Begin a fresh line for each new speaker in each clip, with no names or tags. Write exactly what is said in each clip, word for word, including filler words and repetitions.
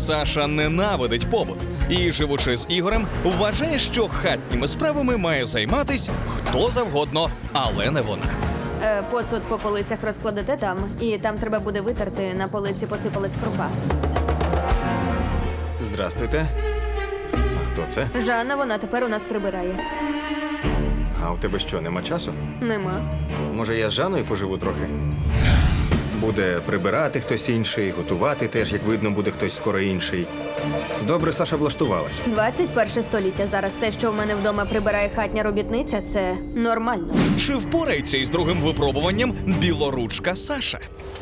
Саша ненавидить побут і, живучи з Ігорем, вважає, що хатніми справами має займатись хто завгодно, але не вона.
Е, посуд по полицях розкладете там, і там треба буде витерти, на полиці посипалась крупа.
Здрастуйте. А хто це?
Жанна, вона тепер у нас прибирає.
А у тебе що, нема часу?
Нема.
Може, я з Жанною поживу трохи? Буде прибирати хтось інший, готувати теж, як видно, буде хтось скоро інший. Добре, Саша влаштувалась.
двадцять перше століття. Зараз те, що в мене вдома прибирає хатня робітниця, це нормально.
Чи впорається із другим випробуванням білоручка Саша?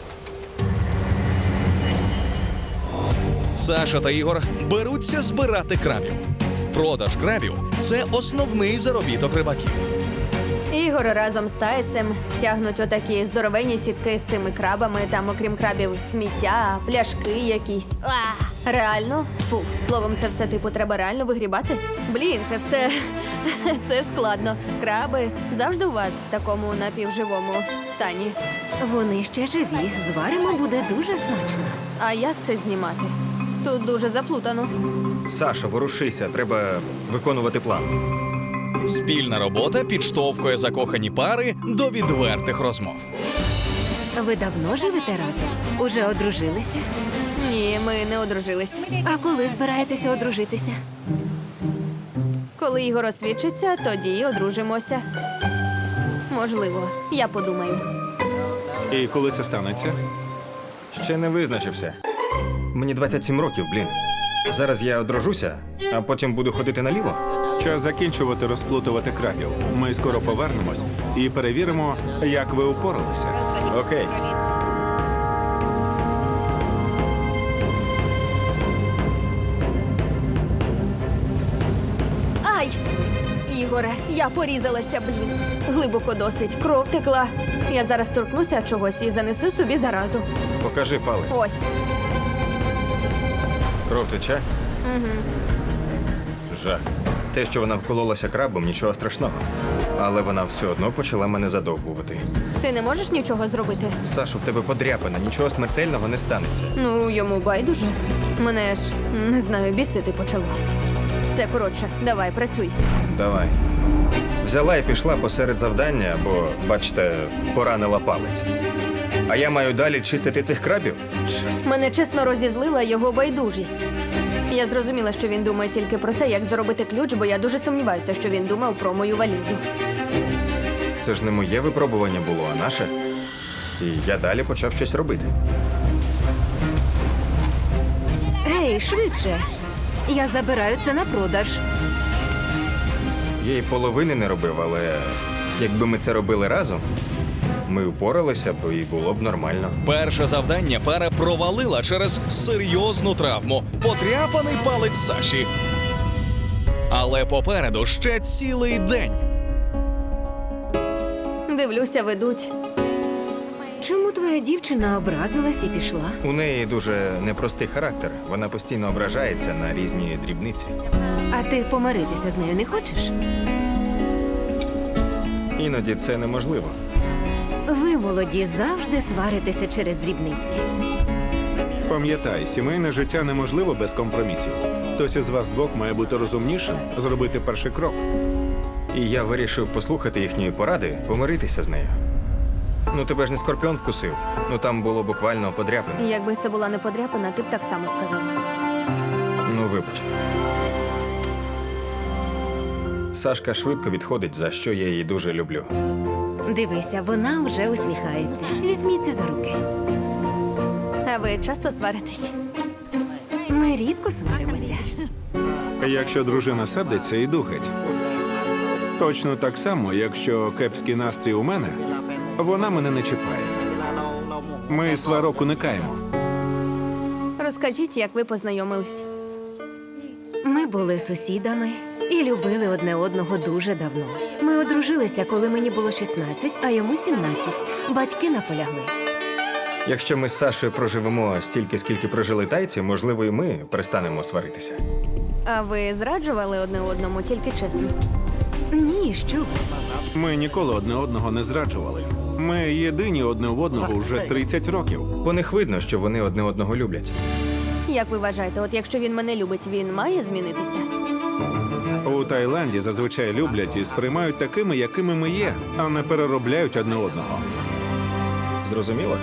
Саша та Ігор беруться збирати крабів. Продаж крабів – це основний заробіток рибаків.
Ігор разом з тайцем тягнуть отакі здоровенні сітки з тими крабами. Там, окрім крабів, сміття, пляшки якісь. А, реально? Фу, словом, це все типу треба реально вигрібати? Блін, це все це складно. Краби завжди у вас в такому напівживому стані.
Вони ще живі. Зваримо, буде дуже смачно.
А як це знімати? Тут дуже заплутано.
Саша, ворушися, треба виконувати план.
Спільна робота підштовхує закохані пари до відвертих розмов.
Ви давно живете разом? Уже одружилися?
Ні, ми не одружились.
А коли збираєтеся одружитися?
Коли Ігор освідчиться, тоді й одружимося. Можливо, я подумаю.
І коли це станеться?
Ще не визначився. Мені двадцять сім років, блін. Зараз я одружуся, а потім буду ходити наліво.
Час закінчувати розплутувати крабів. Ми скоро повернемось і перевіримо, як ви упоралися.
Окей.
Ай! Ігоре, я порізалася, блін. Глибоко досить, кров текла. Я зараз торкнуся чогось і занесу собі заразу.
Покажи палець.
Ось.
Кров тече?
Угу.
Жах. Те, що вона вкололася крабом, нічого страшного. Але вона все одно почала мене задовбувати.
Ти не можеш нічого зробити?
Сашу, в тебе подряпина, нічого смертельного не станеться.
Ну, йому байдуже. Мене ж, не знаю, бісити почало. Все, коротше, давай, працюй.
Давай. Взяла і пішла посеред завдання, бо, бачите, поранила палець. А я маю далі чистити цих крабів? Чорт.
Мене чесно розізлила його байдужість. Я зрозуміла, що він думає тільки про те, як заробити ключ, бо я дуже сумніваюся, що він думав про мою валізу.
Це ж не моє випробування було, а наше. І я далі почав щось робити.
Гей, швидше! Я забираю це на продаж.
Я й половини не робив, але якби ми це робили разом, ми впоралися б і було б нормально.
Перше завдання пара провалила через серйозну травму – подряпаний палець Саші. Але попереду ще цілий день.
Дивлюся, ведуть.
Чому твоя дівчина образилась і пішла?
У неї дуже непростий характер. Вона постійно ображається на різні дрібниці.
А ти помиритися з нею не хочеш?
Іноді це неможливо.
Ви, молоді, завжди сваритеся через дрібниці.
Пам'ятай, сімейне життя неможливо без компромісів. Хтось із вас двох має бути розумнішим, зробити перший крок.
І я вирішив послухати їхньої поради, помиритися з нею. Ну тебе ж не скорпіон вкусив. Ну там було буквально подряпина.
Якби це була не подряпина, ти б так само сказав.
Ну, вибач. Сашка швидко відходить, за що я її дуже люблю.
Дивися, вона вже усміхається. Візьміться за руки.
А ви часто сваритесь?
Ми рідко сваримося.
Якщо дружина сердиться, іду геть. Точно так само, якщо кепський настрій у мене, вона мене не чіпає. Ми сварок уникаємо.
Розкажіть, як ви познайомились.
Ми були сусідами і любили одне одного дуже давно. Ми одружилися, коли мені було шістнадцять, а йому сімнадцять. Батьки наполягли.
Якщо ми з Сашою проживемо стільки, скільки прожили тайці, можливо, і ми перестанемо сваритися.
А ви зраджували одне одному, тільки чесно?
Ні, що ви.
Ми ніколи одне одного не зраджували. Ми єдині одне в одного вже тридцять років.
По них видно, що вони одне одного люблять.
Як ви вважаєте, от якщо він мене любить, він має змінитися?
У Таїланді зазвичай люблять і сприймають такими, якими ми є, а не переробляють одне одного.
Зрозуміло?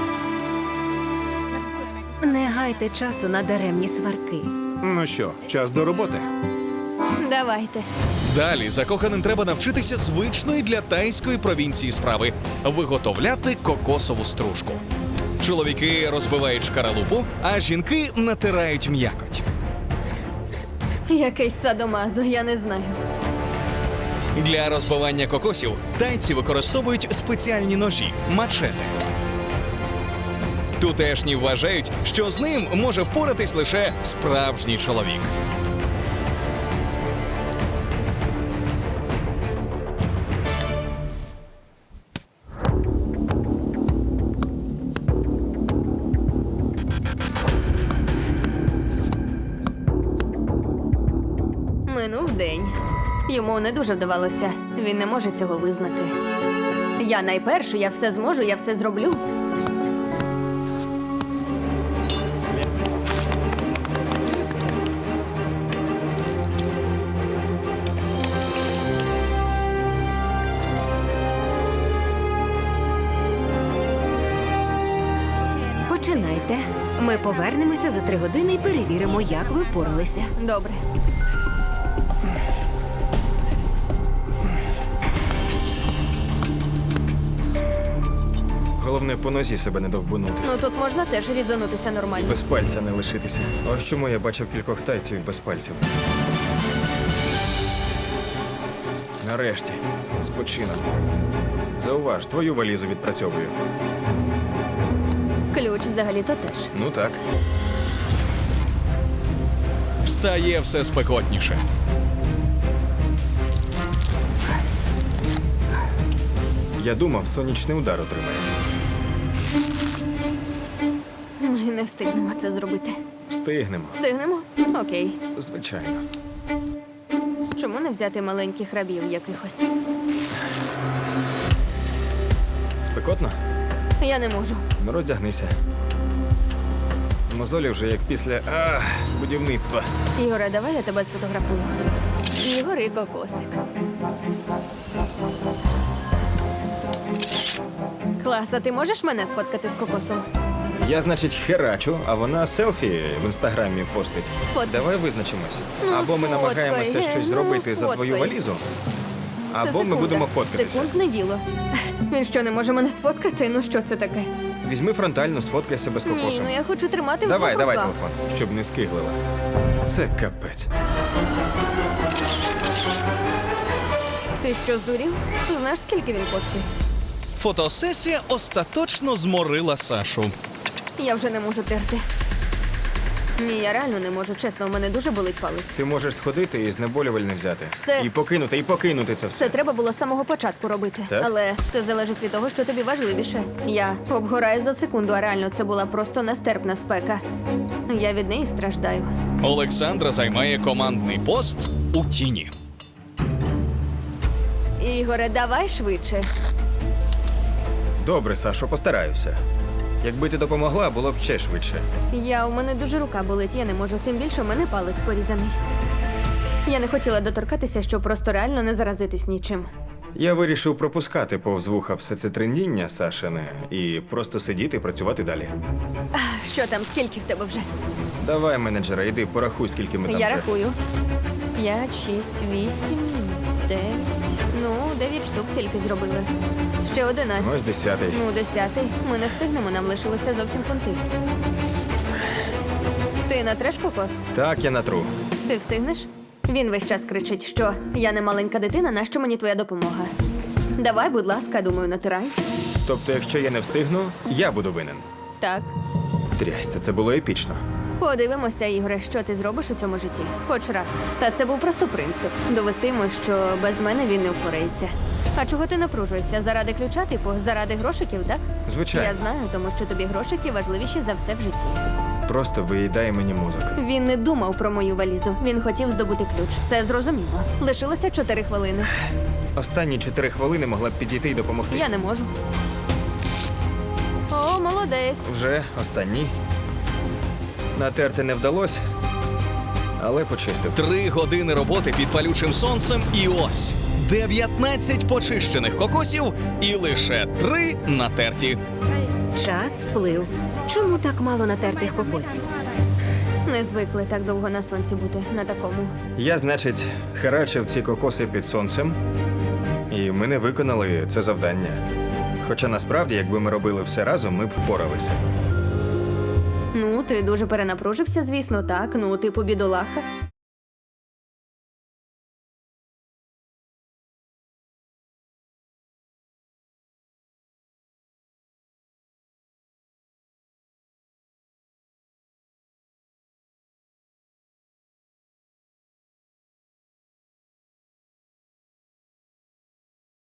Не гайте часу на даремні сварки.
Ну що, час до роботи.
Давайте.
Далі закоханим треба навчитися звичної для тайської провінції справи виготовляти кокосову стружку. Чоловіки розбивають шкаралупу, а жінки натирають м'якоть.
Якийсь садомазо, я не знаю.
Для розбивання кокосів тайці використовують спеціальні ножі мачете. Тутешні вважають, що з ним може впоратись лише справжній чоловік.
Минув день. Йому не дуже вдавалося. Він не може цього визнати. Я найперше, я все зможу, я все зроблю.
Починайте. Ми повернемося за три години і перевіримо, як ви впоралися.
Добре.
Головне, по нозі себе не довбунути.
Ну тут можна теж різанутися нормально.
Без пальця не лишитися. Ось чому я бачив кількох тайців без пальців. Нарешті, спочинок. Зауваж, твою валізу відпрацьовую.
Ключ взагалі-то теж.
Ну так.
Стає все спекотніше.
Я думав, сонячний удар отримає.
Ми не встигнемо це зробити.
Встигнемо.
Встигнемо? Окей.
Звичайно.
Чому не взяти маленьких рабів якихось?
Спекотно?
Я не можу.
Ну, роздягнися. Мозолі вже як після а, будівництва.
Ігоре, давай я тебе сфотографую. Ігор і кокосик. Клас, а ти можеш мене сфоткати з кокосом?
Я, значить, херачу, а вона селфі в інстаграмі постить.
Сфоткай.
Давай визначимось.
Ну,
або ми
сфоткай,
намагаємося
ге,
щось
ну,
зробити за твою
сфоткай.
валізу,
Це
або ми
секунда.
будемо фоткатися.
Секундне діло. Він що, не може мене сфоткати? Ну що це таке?
Візьми фронтально, сфоткай себе з
Ні,
кокосом.
ну я хочу тримати в
Давай,
двох
давай
руках.
телефон, щоб не скиглила. Це капець.
Ти що, здурів? Знаєш, скільки він коштує?
Фотосесія остаточно зморила Сашу.
Я вже не можу терти. Ні, я реально не можу. Чесно, у мене дуже болить палець.
Ти можеш сходити і знеболювальне взяти.
Це-
І покинути, і покинути це все.
Це треба було з самого початку робити.
Так?
Але це залежить від того, що тобі важливіше. Я обгораю за секунду, а реально це була просто нестерпна спека. Я від неї страждаю.
Олександра займає командний пост у тіні.
Ігоре, давай швидше.
Добре, Сашо, постараюся. Якби ти допомогла, було б ще швидше.
Я у мене дуже рука болить, я не можу. Тим більше у мене палець порізаний. Я не хотіла доторкатися, щоб просто реально не заразитись нічим.
Я вирішив пропускати повз вуха все це трендіння Сашине і просто сидіти і працювати далі.
Що там, скільки в тебе вже?
Давай, менеджера, йди, порахуй, скільки ми там
Я
вже.
рахую. П'ять, шість, вісім, дев'ять. Ну, дев'ять штук тільки зробили. Ще одинадцять.
Ось десятий.
Ну, десятий. Ми не встигнемо, нам лишилося зовсім фунти. Ти натреш кокос?
Так, я натру.
Ти встигнеш? Він весь час кричить, що я не маленька дитина, нащо мені твоя допомога? Давай, будь ласка, думаю, натирай.
Тобто, якщо я не встигну, я буду винен.
Так.
Трясся, це було епічно.
Подивимося, Ігоре, що ти зробиш у цьому житті. Хоч раз. Та це був просто принцип. Довести йому, що без мене він не впорається. А чого ти напружуєшся? Заради ключа, типу, заради грошиків, так?
Звичайно.
Я знаю, тому що тобі грошики важливіші за все в житті.
Просто виїдає мені мозок.
Він не думав про мою валізу. Він хотів здобути ключ. Це зрозуміло. Лишилося чотири хвилини.
Останні чотири хвилини могла б підійти і допомогти.
Я не можу. О, молодець.
Вже останні. Натерти не вдалося, але почистив.
Три години роботи під палючим сонцем, і ось дев'ятнадцять почищених кокосів і лише три натерті.
Час сплив. Чому так мало натертих кокосів?
Не звикли так довго на сонці бути на такому.
Я, значить, херачив ці кокоси під сонцем, і ми не виконали це завдання. Хоча насправді, якби ми робили все разом, ми б впоралися.
Ну, ти дуже перенапружився, звісно, так. Ну, типу бідолаха.